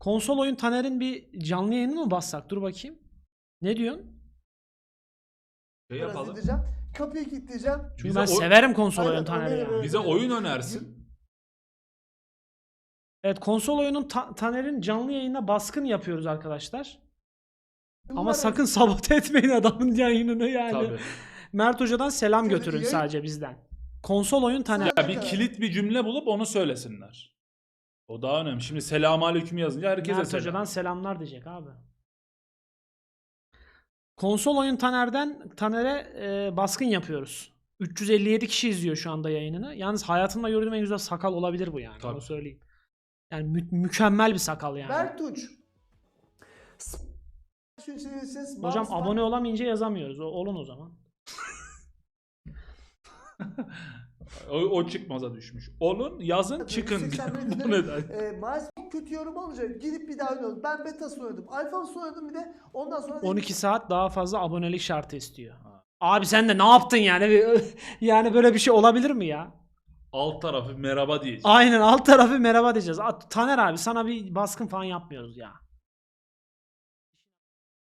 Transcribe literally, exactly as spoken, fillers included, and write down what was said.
Konsol oyun Taner'in bir canlı yayını mı bassak? Dur bakayım. Ne diyorsun? Şey Biraz yapalım. indireceğim. Kapıyı kilitleyeceğim. Çünkü Bize ben o- severim konsol Aynen, oyun Taner'i öyle, yani. öyle. Bize oyun önersin. Evet, konsol oyunun Ta- Taner'in canlı yayına baskın yapıyoruz arkadaşlar. Ama Umarım- sakın sabote etmeyin adamın yayınını yani. Tabii. Mert Hoca'dan selam Şöyle götürün yayın- sadece bizden. Konsol oyun Taner. Ya bir kilit bir cümle bulup onu söylesinler. O daha önemli. Şimdi selamünaleyküm yazınca herkese Mert selam. Hoca'dan selamlar diyecek abi. Konsol oyun Taner'den Taner'e e, baskın yapıyoruz. üç yüz elli yedi kişi izliyor şu anda yayınını. Yalnız hayatımda gördüğüm en güzel sakal olabilir bu yani. Tabii. Onu söyleyeyim. Yani mü- mükemmel bir sakal yani. Bertuç. Şu çevirirseniz Hocam mouse- abone olamayınca yazamıyoruz. O, olun o zaman. O, o çıkmaza düşmüş. Olun yazın çıkın. yüz seksen Bu bin neden? E, maalesef çok kötü yorum alınca gidip bir daha oynadım. Ben betasını oynadım. Alfa'sını oynadım bir de ondan sonra... on iki saat daha fazla abonelik şartı istiyor. Abi sen de ne yaptın yani? Bir- Yani böyle bir şey olabilir mi ya? Alt tarafı merhaba diyeceğiz. Aynen, alt tarafı merhaba diyeceğiz. A- Taner abi sana bir baskın falan yapmıyoruz ya.